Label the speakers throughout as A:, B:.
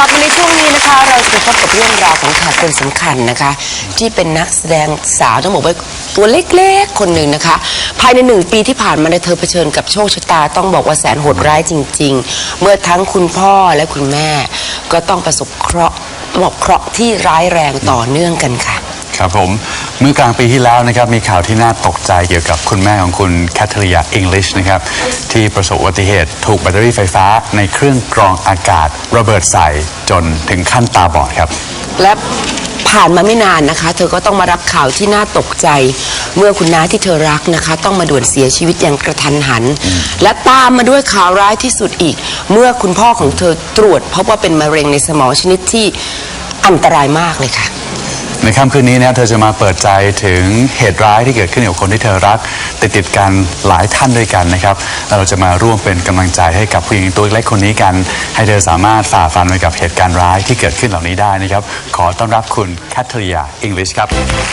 A: ลับมาในช่วงนี้นะคะเราจะพบกับเรื่องราวของแขกคนสำคัญนะคะที่เป็นนักแสดงสาวต้องบอกว่าตัวเล็กๆคนหนึ่งนะคะภายใน1 ปีที่ผ่านมาเธอเผชิญกับโชคชะตาต้องบอกว่าแสนโหดร้ายจริงๆเมื่อทั้งคุณพ่อและคุณแม่ก็ต้องประสบเคราะห์ที่ร้ายแรงต่อเนื่องกันค่ะ
B: ครับผมเมื่อกลางปีที่แล้วนะครับมีข่าวที่น่าตกใจเกี่ยวกับคุณแม่ของคุณแคทเธอรีนอิงลิชนะครับที่ประสบอุบัติเหตุถูกแบตเตอรี่ไฟฟ้าในเครื่องกรองอากาศระเบิดใส่จนถึงขั้นตาบอดครับ
A: และผ่านมาไม่นานนะคะเธอก็ต้องมารับข่าวที่น่าตกใจเมื่อคุณน้าที่เธอรักนะคะต้องมาด่วนเสียชีวิตอย่างกระทันหันและตามมาด้วยข่าวร้ายที่สุดอีกเมื่อคุณพ่อของเธอตรวจพบว่าเป็นมะเร็งในสมองชนิดที่อันตรายมากเลยค่ะ
B: ในค่ำคืนนี้นะเธอจะมาเปิดใจถึงเหตุร้ายที่เกิดขึ้นกับคนที่เธอรักติดกันหลายท่านด้วยกันนะครับแล้วเราจะมาร่วมเป็นกำลังใจให้กับผู้หญิงตัวเล็กคนนี้กันให้เธอสามารถฝ่าฟันไปกับเหตุการณ์ร้ายที่เกิดขึ้นเหล่านี้ได้นะครับขอต้อนรับคุณแคทเธอรีนอิงลิชครับ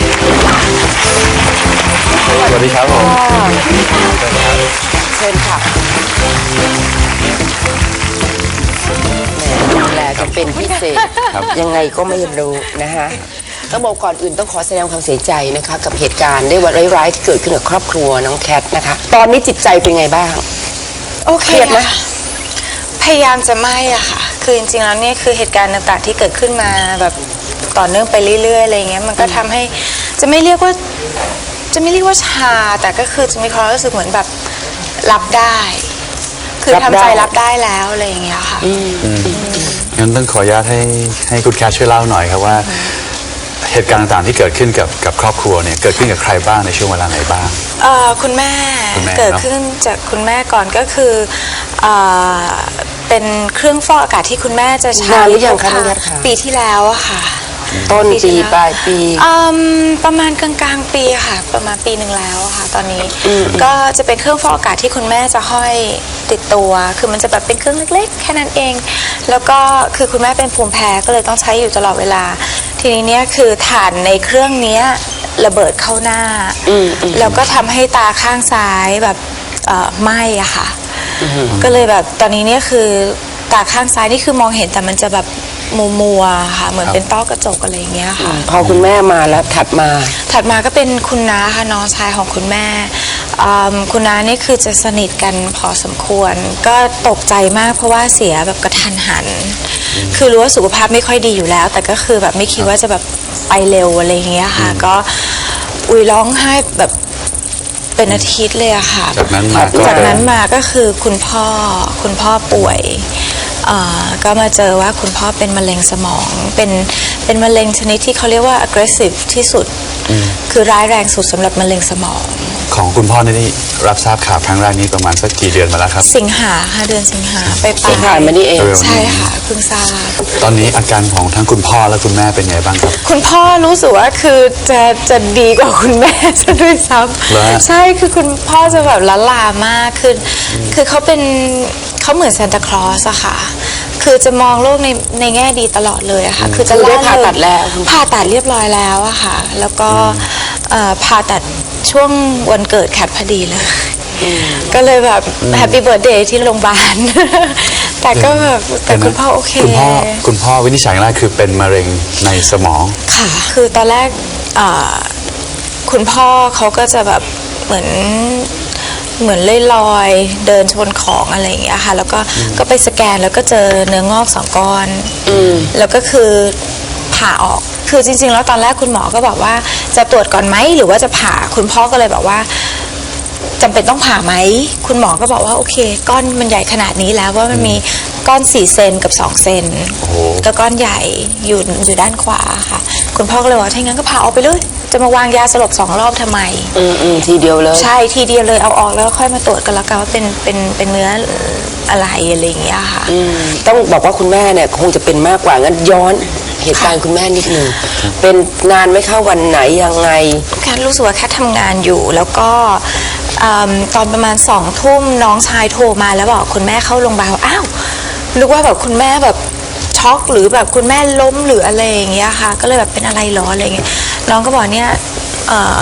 B: สวัสดีครับผม
A: เชิญค่ะดูแลจะเป็นพิเศษยังไงก็ไม่รู้นะคะต้องบอกก่อนอื่นต้องขอแสดงความเสียใจนะคะกับเหตุการณ์ได้ว่าร้ายๆที่เกิดขึ้นกับครอบครัวน้องแคทนะคะตอนนี้จิตใจเป็นไงบ้าง
C: โอเคนะพยายามจะไม่อะค่ะคือจริงๆแล้วเนี่ยคือเหตุการณ์ต่างๆที่เกิดขึ้นมาแบบต่อเนื่องไปเรื่อยๆอะไรเงี้ยมันก็ทำให้จะไม่เรียกว่าชาแต่ก็คือจะมีความรู้สึกเหมือนแบบรับได้คือทำใจรับได้แล้วอะไรอย่างเงี้ยค่ะ
B: งั้นต้องขออนุญาตให้คุณแคทช่วยเล่าหน่อยครับว่าเหตุการณ์ต่างๆที่เกิดขึ้นกับครอบครัวเนี่ยเกิดขึ้นกับใครบ้างในช่วงเวลาไหนบ้าง
C: คุณแม่เกิดขึ้นจากคุณแม่ก่อนก็คือเป็นเครื่องฟอกอากาศที่คุณแม่จะใช้ปีที่แล้วอะค่ะ
A: ต้นปีปลายปี
C: ประมาณกลางๆปีค่ะประมาณปีหนึ่งแล้วค่ะตอนนี้ก็จะเป็นเครื่องฟอกอากาศที่คุณแม่จะห้อยติดตัวคือมันจะแบบเป็นเครื่องเล็กๆแค่นั้นเองแล้วก็คือคุณแม่เป็นภูมิแพ้ก็เลยต้องใช้อยู่ตลอดเวลาทีนี้เนี่ยคือถ่านในเครื่องนี้ระเบิดเข้าหน้าแล้วก็ทำให้ตาข้างซ้ายแบบไหม้อะค่ะก็เลยแบบตอนนี้เนี่ยคือตาข้างซ้ายนี่คือมองเห็นแต่มันจะแบบมัวค่ะเหมือนเป็นต้อกระจกอะไรอย่างเงี้ยค่ะ
A: พอคุณแม่มาแล้วถัดมา
C: ก็เป็นคุณน้าค่ะน้องชายของคุณแม่คุณน้านี่คือจะสนิทกันพอสมควรก็ตกใจมากเพราะว่าเสียแบบกระทันหันคือรู้ว่าสุขภาพไม่ค่อยดีอยู่แล้วแต่ก็คือแบบไม่คิดว่าจะแบบไปเร็วอะไรอย่างเงี้ยค่ะก็ร้องไห้แบบเป็นอาทิตย์เลยอะค่ะ
B: จากนั้น
C: มาก็คือคุณพ่อป่วยก็มาเจอว่าคุณพ่อเป็นมะเร็งสมองเป็นมะเร็งชนิดที่เขาเรียกว่า aggressive ที่สุดคือร้ายแรงสุดสำหรับมะเร็งสมอง
B: ของคุณพ่อนี่รับทราบข่าวครั้งแรกนี้ประมาณสักกี่เดือนมาแล้วครับ
C: สิงหาค่ะเดือนสิงหาไป
A: ผ่านมานี่เอง
C: ใช่ค่ะเพิ่งทราบ
B: ตอนนี้อาการของทั้งคุณพ่อและคุณแม่เป็นไงบ้างครับ
C: คุณพ่อรู้สึกว่าคือจะดีกว่าคุณแม่ซะด้วยซ้ำใช่คือคุณพ่อจะแบบละลามากคือเขาเหมือนซานตาคลอสอะค่ะคือจะมองโลกในแง่ดีตลอดเลยอะค่ะ
A: คือจะได้ผ่าตัดแล้ว
C: ผ่าตัดเรียบร้อยแล้วอะค่ะแล้วก็ผ่าตัดช่วงวันเกิดแคทพอดีเลยก็เลยแบบแฮปปี้เบิร์ธเดย์ที่โรงพยาบาลแต่ก็แบบแต่คุณพ่อโอเค
B: คุณพ่อวินิจฉัยแรกคือเป็นมะเร็งในสมอง
C: ค่ะคือตอนแรกคุณพ่อเขาก็จะแบบเหมือนลอยเดินชนของอะไรอย่างเงี้ยค่ะแล้วก็ไปสแกนแล้วก็เจอเนื้องอก2 ก้อนแล้วก็คือผ่าออกคือจริงๆแล้วตอนแรกคุณหมอก็บอกว่าจะตรวจก่อนไหมหรือว่าจะผ่าคุณพ่อก็เลยบอกว่าจำเป็นต้องผ่าไหมคุณหมอก็บอกว่าโอเคก้อนมันใหญ่ขนาดนี้แล้วว่ามันมีก้อน4 เซนกับ2 เซนก็ก้อนใหญ่อยู่ด้านขวาค่ะคุณพ่อก็เลยว่าถ้างั้นก็ผ่าออกไปเลยจะมาวางยาสลบ2 รอบทำไม
A: ทีเดียวเลย
C: ใช่ทีเดียวเลยเอาออกแล้วค่อยมาตรวจกันแล้วกันว่าเป็นเนื้ออะไรอย่างเงี้ยค่ะ
A: ต้องบอกว่าคุณแม่เนี่ยคงจะเป็นมากกว่างั้นย้อนเหตุการณ์คุณแม่นิดนึงเป็นนานไม่เข้าวันไหนยังไง
C: แค่รู้สึกว่าแค่ทำงานอยู่แล้วก็ตอนประมาณ2 ทุ่มน้องชายโทรมาแล้วบอกคุณแม่เข้าโรงพยาบาลอ้าวนึกว่าแบบคุณแม่แบบช็อกหรือแบบคุณแม่ล้มหรืออะไรอย่างเงี้ยค่ะก็เลยแบบเป็นอะไรหรออะไรเงี้ยน้องก็บอกเนี่ย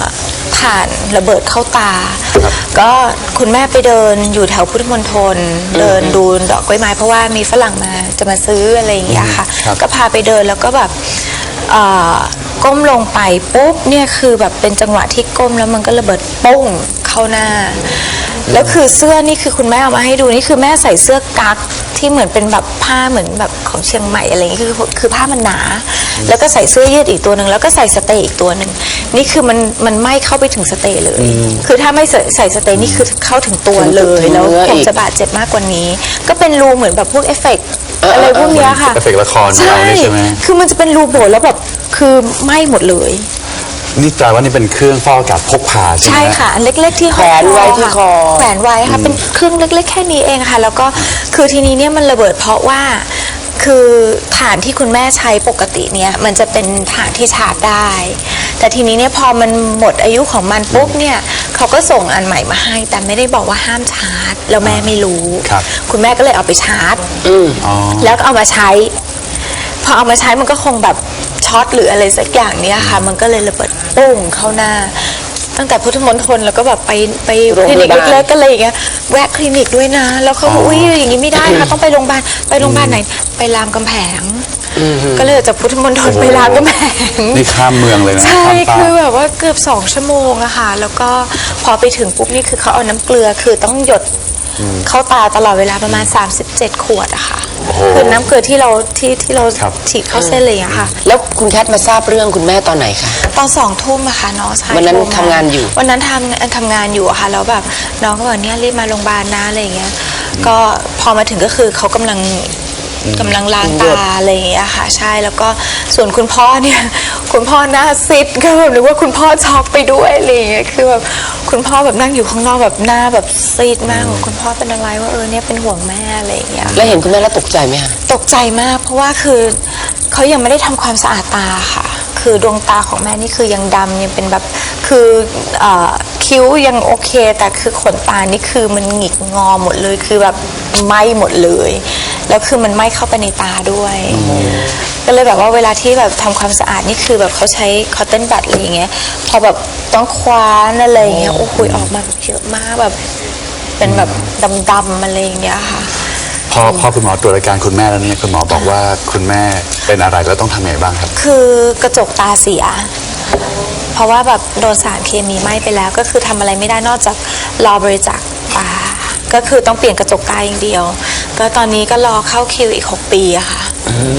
C: ถ่านระเบิดเข้าตา ก็คุณแม่ไปเดินอยู่แถวพุทธมณฑลเดินดูดอกกล้วยไม้เพราะว่ามีฝรั่งจะมาซื้ออะไรอย่างเงี้ยค่ะ ก็พาไปเดินแล้วก็แบบก้มลงไปปุ๊บเนี่ยคือแบบเป็นจังหวะที่ก้มแล้วมันก็ระเบิดปุ้งเข้าหน้า แล้วคือเสื้อนี่คือคุณแม่เอามาให้ดูนี่คือแม่ใส่เสื้อกั๊กที่เหมือนเป็นแบบผ้าเหมือนแบบของเชียงใหม่อะไรอย่างเงี้ยคือผ้ามันหนา แล้วก็ใส่เสื้อยืดอีกตัวหนึ่งแล้วก็ใส่สเตย์อีกตัวหนึ่งนี่คือมันไหม้เข้าไปถึงสเตย์เลย คือถ้าไม่ใส่สเตย์นี่คือเข้าถึงตัวเลยแล้วผมจะบาดเจ็บมากกว่านี้ ก็เป็นรูเหมือนแบบพวกเอฟเฟกต์อะไรพวกเนี้ยค่ะ
B: เอฟเฟกต์ละครของเรานี่ใช่ไหม
C: คือมันจะเป็นรูโบแล้วแบบคือไหม้หมดเลย
B: นี่แปลว่านี่เป็นเครื่องฟอกอากาศพกพาใช่ไหม
C: ใช่ค่ะอันเล็กๆที่
A: แขวนไว้ที่คอ
C: แขวนไว้ค่ะเป็นเครื่องเล็กๆแค่นี้เองค่ะแล้วก็คือทีนี้เนี่ยมันระเบิดเพราะว่าคือฐานที่คุณแม่ใช้ปกติเนี่ยมันจะเป็นฐานที่ชาร์จได้ แต่ทีนี้เนี่ยพอมันหมดอายุของมันปุ๊บเนี่ยเขาก็ส่งอันใหม่มาให้แต่ไม่ได้บอกว่าห้ามชาร์จแล้วแม่ไม่รู้
B: ครับ
C: คุณแม่ก็เลยเอาไปชาร์จแล้วก็เอามาใช้ พอเอามาใช้มันก็คงแบบช็อตหรืออะไรสักอย่างเนี้ยค่ะมันก็เลยระเบิดปุ้งเข้าหน้า ตั้งแต่พุทธมณฑลแล้วก็แบบไปคลินิกเล็กๆก็เลยอย่างเงี้ยแวะคลินิกด้วยนะแล้วเขาบอกอุ้ยอย่างงี้ไม่ได้ค่ะต้องไปโรงพยาบาลไหนไปรามคำแหงก็เลยจากพุทธมณฑลไปรามคำแหง
B: นี่ข้ามเมืองเลยนะ
C: ใช่
B: ข้ามฟ้า
C: คือแบบว่าเกือบ2 ชั่วโมงอะค่ะแล้วก็พอไปถึงปุ๊บนี่คือเขาเอาน้ำเกลือคือต้องหยดเข้าตาตลอดเวลาประมาณ37 ขวดอะค่ะคือน้ำเกลือที่เราฉีดเข้าเส้นเลยอะค่ะ
A: แล้วคุณแคทมาทราบเรื่องคุณแม่ตอนไหนคะ
C: ตอน2 ทุ่มอะค่ะน้องชาย
A: วันนั้น
C: โทรม
A: ทำงานอยู่
C: วันนั้นทำงานอยู่อะค่ะแล้วแบบน้องก็บอกเนี่ยรีบมาโรงพยาบาลนะอะไรอย่างเงี้ยก็พอมาถึงก็คือเขากำลังล้างตาอะไรอย่างเงี้ยค่ะใช่แล้วก็ส่วนคุณพ่อเนี่ยคุณพ่อหน้าซิดก็แบบนึกว่าคุณพ่อช็อกไปด้วยอะไรอย่างเงี้ยคือแบบคุณพ่อแบบนั่งอยู่ข้างนอกแบบหน้าแบบซีดมากบอกคุณพ่อเป็นอะไรว่าเนี่ยเป็นห่วงแม่อะไรอย่างเงี้ย
A: แล้วเห็นคุณแม่แล้วตกใจไหมคะ
C: ตกใจมากเพราะว่าคือเขายังไม่ได้ทำความสะอาดตาค่ะคือดวงตาของแม่นี่คือยังดำยังเป็นแบบคือคิ้วยังโอเคแต่คือขนตานี่คือมันหงิกงอหมดเลยคือแบบไหม้หมดเลยแล้วคือมันไหม้เข้าไปในตาด้วยก็เลยแบบว่าเวลาที่แบบทำความสะอาดนี่คือแบบเขาใช้คอตเทนบัดอะไรอย่างเงี้ยพอแบบต้องคว้านอะไรอย่างเงี้ยโอ้โหออกมาเยอะมากแบบเป็นแบบดำๆอะไรอย่างเงี้ยค่ะ
B: พอคุณหมอตรวจอาการคุณแม่แล้วเนี่ยคุณหมอบอกว่าคุณแม่เป็นอะไรแล้วต้องทำยังไงบ้างครับ
C: คือกระจกตาเสีย เพราะว่าแบบโดนสารเคมีไหม้ไปแล้วก็คือทำอะไรไม่ได้นอกจากรอบริจาคตาก็คือต้องเปลี่ยนกระจกตาอย่างเดียว ก็ตอนนี้ก็รอเข้าคิวอีก6 ปีอะค่ะ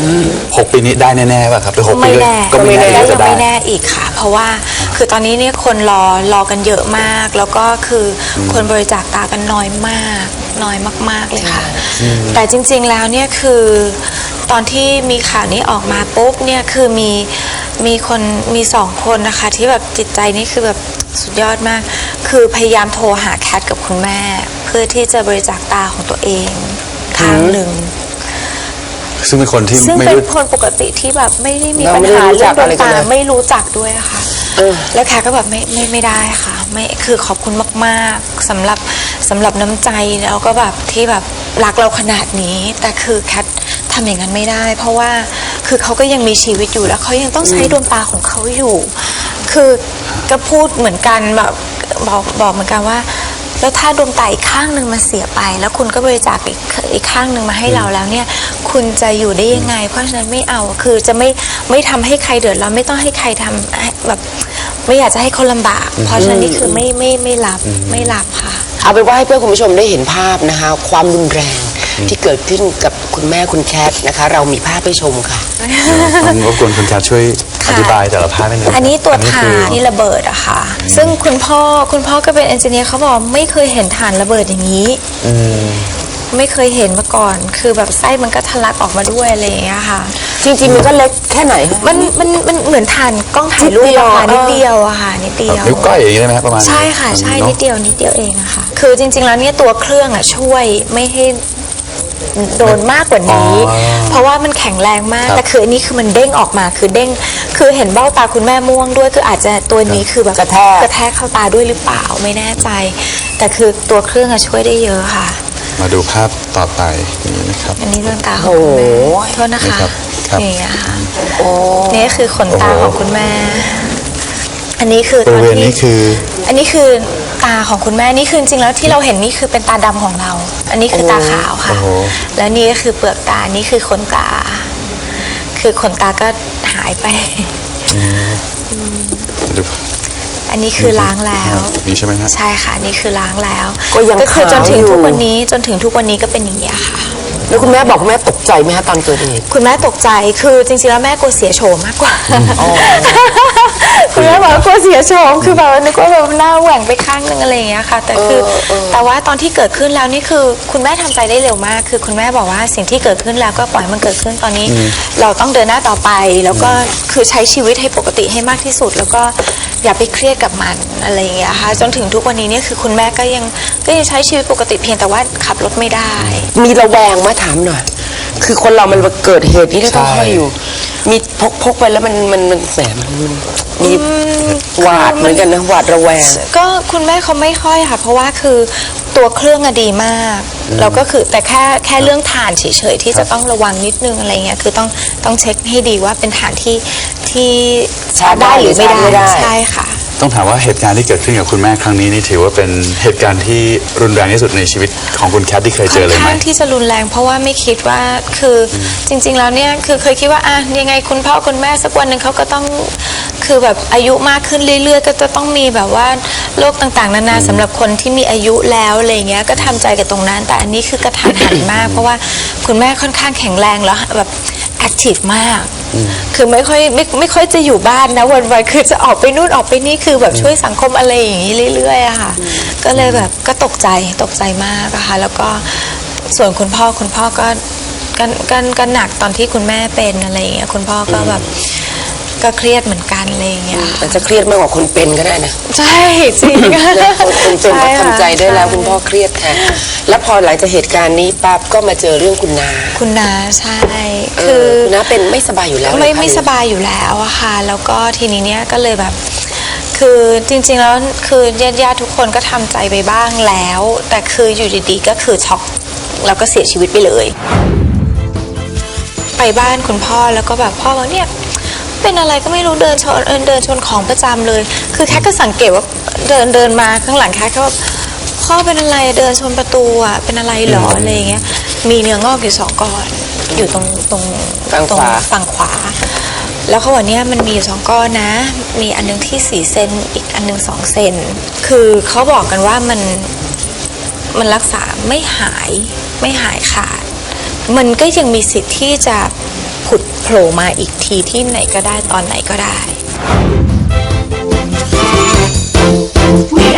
B: 6 ปีนี้ได้แน่ๆป่ะครับหรือ6 ปี
C: ไม่แน่
B: ก็ไม่แน่
C: ก็
B: ว่า
C: ยั
B: จะ
C: ง
B: ได้
C: ไม่แน่อีกค่ะ เพราะว่าคือตอนนี้เนี่ยคนรอกันเยอะมาก แล้วก็คือคนบริจาคตากันน้อยมากน้อยมากๆเลยค่ะ แต่จริงๆแล้วเนี่ยคือตอนที่มีข่าวนี้ออกมาปุ๊บเนี่ยคือมี2 คนนะคะที่แบบจิตใจนี่คือแบบสุดยอดมาก คือพยายามโทรหาแคทกับคุณแม่ เพื่อที่จะบริจาคตาของตัวเองข้างหนึ่ง
B: ซึ่งเป็นคนที่
C: ซึ่ง
B: ไม่
C: เป็น
B: รู้
C: คนปกติที่แบบไม่ได้มี
A: เรา
C: ปัญ
A: ไม่ได้
C: หา
A: รู้
C: เรื่
A: จั
C: อง
A: ก
C: ดว
A: อะไร
C: ง
A: กัน
C: ตา
A: เลย
C: ไม่รู้จักด้วยอะค่ะแล้วแขกก็แบบไม่ได้ค่ะไม่คือขอบคุณมากๆสำหรับน้ำใจแล้วก็แบบที่แบบรักเราขนาดนี้ แต่คือแคททำอย่างนั้นไม่ได้ เพราะว่าคือเขาก็ยังมีชีวิตอยู่แล้วเขายังต้องใช้ดวงตาของเขาอยู่ คือก็พูดเหมือนกันแบบบอกเหมือนกันว่า แล้วถ้าดวงตาอีกข้างหนึ่งมันเสียไป แล้วคุณก็บริจาคอีกข้างหนึ่งมาให้เราแล้วเนี่ยคุณจะอยู่ได้ยังไง เพราะฉะนั้นไม่เอาคือจะไม่ทำให้ใครเดือดร้อนไม่ต้องให้ใครทำแบบไม่อยากจะให้เขาลำบาก เพราะฉะนั้นนี่คือไม่รับค่ะ
A: เอาเป็นว่าให้เพื่อนคุณผู้ชมได้เห็นภาพนะคะความรุนแรงที่เกิดขึ้นกับคุณแม่คุณแคทนะคะ เรามีภาพให้ชมค่ะ
B: ต้องรบกวนคุณแคทช่วยอธิบายแต่ละภาพให้หน่อย
C: อันนี้ตัว
B: คื
C: ถ่านที่ระเบิดอะค่ะ ซึ่งคุณพ่อก็เป็นเอนจิเนียร์เขาบอกไม่เคยเห็นถ่านระเบิดอย่างนี้ ไม่เคยเห็นมาก่อน คือแบบไส้มันก็ทะลักออกมาด้วยอะไรอย่างเงี้ยค่ะ
A: จริงๆมันก็เล็กแค่ไหนคะ
C: มันเหมือนถ่านกล้องถ่ายรูปอะค่ะ
A: นิ
C: นิ
A: ด
C: ด
A: เดี
C: เดี
A: ย
C: ยว วอะค่ะนิดเดียว
B: นิ้วก้อยอย่างนี้ได้ไหมครับประมาณ
C: ใช่ค่ะใช่
B: เนอะ
C: นิดเดียวเองอะค่ะ คือจริงๆแล้วเนี่ยตัวเครื่องอะช่วยไม่ให้โดนมากกว่านี้ เพราะว่ามันแข็งแรงมาก
B: ครับ
C: แต่คืออันนี้คือมันเด้งออกมาคือเด้งคือเห็นเบ้าตาคุณแม่ม่วงด้วยคืออาจจะตัวนี้คือแบบ
A: กระแทก
C: เข้าตาด้วยหรือเปล่าไม่แน่ใจ แต่คือตัวเครื่องอะช่วยได้เยอะค่ะ
B: มาดูภาพต่อไปนี่นะครับ
C: อันนี้ดวงตาของคุณแม่โทษนะคะ
B: นี่ครับ
C: อย่างเงี้ยค่ะ
A: โอ้
C: นี่คือขนตาของคุณแม่อันนี้คือตอน
B: บริเวณนี้
C: ที่
B: คือ
C: อันนี้คือตาของคุณแม่นี่คือจริงๆแล้วที่เราเห็นนี่คือเป็นตาดำของเรา อันนี้คือตาขาวค่ะ แล้วนี่ก็คือเปลือกตานี่คือขนตา คือขนตาก็หายไป อันนี้คือล้างแล้ว
B: นี่ใช่ไหมฮะ
C: ใช่ค่ะนี่คือล้างแล้ว
A: ก็ยัง
C: คือจนถึง
A: ขาวอยู่
C: ทุกวันนี้จนถึงทุกวันนี้ก็เป็นอย่างนี้ยค่ะ
A: แล้วคุณแม่บอกคุณแม่ตกใจไหมคะตอนเกิดเหตุ
C: คุณแม่ตกใจคือจริงๆแล้วแม่กลัวเสียโฉมมากกว่าคุณแม่บอกว่ากลัวเสียโฉมคือแบบว่านึกว่าแบบหน้าแหว่งไปข้างนึงอะไรอย่างเงี้ยค่ะ แต่คือแต่ว่าตอนที่เกิดขึ้นแล้วนี่คือคุณแม่ทำใจได้เร็วมาก คือคุณแม่บอกว่าสิ่งที่เกิดขึ้นแล้วก็ปล่อยมันเกิดขึ้นตอนนี้ เราต้องเดินหน้าต่อไป แล้วก็คือใช้ชีวิตให้ปกติให้มากที่สุด แล้วก็อย่าไปเครียดกับมันอะไรอย่างเงี้ยค่ะจนถึงทุกวันนี้เนี่ยคือคุณแม่ก็ยังใช้ชีวิตปกติเพียงแต่ว่าขับรถไม่ได้
A: มีระแวงมาถามหน่อย คือคนเรามันเกิดเหตุนี้ต้องคอยอยู่ มีพกไปแล้วมันแหมมันมีหวาดเหมือนกันนะหวาดระแวง
C: ก็คุณแม่เขาไม่ค่อยค่ะ เพราะว่าคือตัวเครื่องอะดีมากแล้วก็คือแต่แค่เรื่องฐานเฉยๆที่จะต้องระวังนิดนึงอะไรเงี้ยคือต้องเช็คให้ดีว่าเป็นฐานที่
A: ชาร์จได้หรือ
C: ไม่
A: ชาร์จไม่ได้
C: ใช่ค่ะ
B: ต้องถามว่าเหตุการณ์ที่เกิดขึ้นกับคุณแม่ครั้งนี้นี่ถือว่าเป็นเหตุการณ์ที่รุนแรงที่สุดในชีวิตของคุณแคทที่เคยเจอเลย
C: ค่อน
B: ไหม
C: ข้างที่จะรุนแรงเพราะว่าไม่คิดว่าคือจริง ๆ แล้วเนี่ยคือเคยคิดว่ายังไงคุณพ่อคุณแม่สักวันหนึ่งเขาก็ต้องคือแบบอายุมากขึ้นเรื่อยๆ ก็จะต้องมีแบบว่าโรคต่างๆนานาสำหรับคนที่มีอายุแล้วอะไรเงี้ยก็ทำใจกับตรงนั้นแต่อันนี้คือกระทันหันมาก เพราะว่าคุณแม่ค่อนข้างแข็งแรงแล้วแบบแอคทีฟมาก คือไม่ค่อยจะอยู่บ้านนะวันๆคือจะออกไปนู่นออกไปนี่คือแบบช่วยสังคมอะไรอย่างนี้เรื่อยๆอะค่ะก็เลยแบบก็ตกใจมากอะค่ะแล้วก็ส่วนคุณพ่อก็หนักตอนที่คุณแม่เป็นอะไรอย่างเงี้ยคุณพ่อก็แบบก็เครียดเหมือนกันอะไรอย่างเงี้ย
A: มันจะเครียดมากกว่าคนเป็นก็ได้นะ
C: ใช่จริง
A: คนเป็นก็ทำใจได้แล้วคุณพ่อเครียดแทนแล้วพอหลังจากเหตุการณ์นี้ปั๊บก็มาเจอเรื่องคุณนา
C: คุณนาใช่
A: คื
C: คือ อ
A: คุณนาเป็นไม่สบายอยู่แล้ว
C: ไม่สบายอยู่แล้วอะค่ะแล้วก็ทีนี้เนี่ยก็เลยแบบ คือจริงๆแล้วคือญาติๆทุกคนก็ทำใจไปบ้างแล้ว แต่คืออยู่ดีๆก็คือช็อกแล้วก็เสียชีวิตไปเลย ไปบ้านคุณพ่อแล้วก็แบบพ่อบอกเนี่ยเป็นอะไรก็ไม่รู้เดินชนของประจำเลย คือแค่ก็สังเกตว่าเดินมาข้างหลังแค่ก็แบบพ่อเป็นอะไรเดินชนประตูอ่ะเป็นอะไรหรออะไรอย่างเงี้ยมีเนื้องอกอยู่2 ก้อนอยู่ตรงฝั่งขวา แล้วเขาบอกเนี่ยมันมีอยู่2 ก้อนนะ มีอันนึงที่4 เซนอีกอันนึง2 เซนคือเขาบอกกันว่ามันรักษาไม่หายขาด มันก็ยังมีสิทธิ์ที่จะผุดโผล่มาอีกทีที่ไหนก็ได้ตอนไหนก็ได้
D: We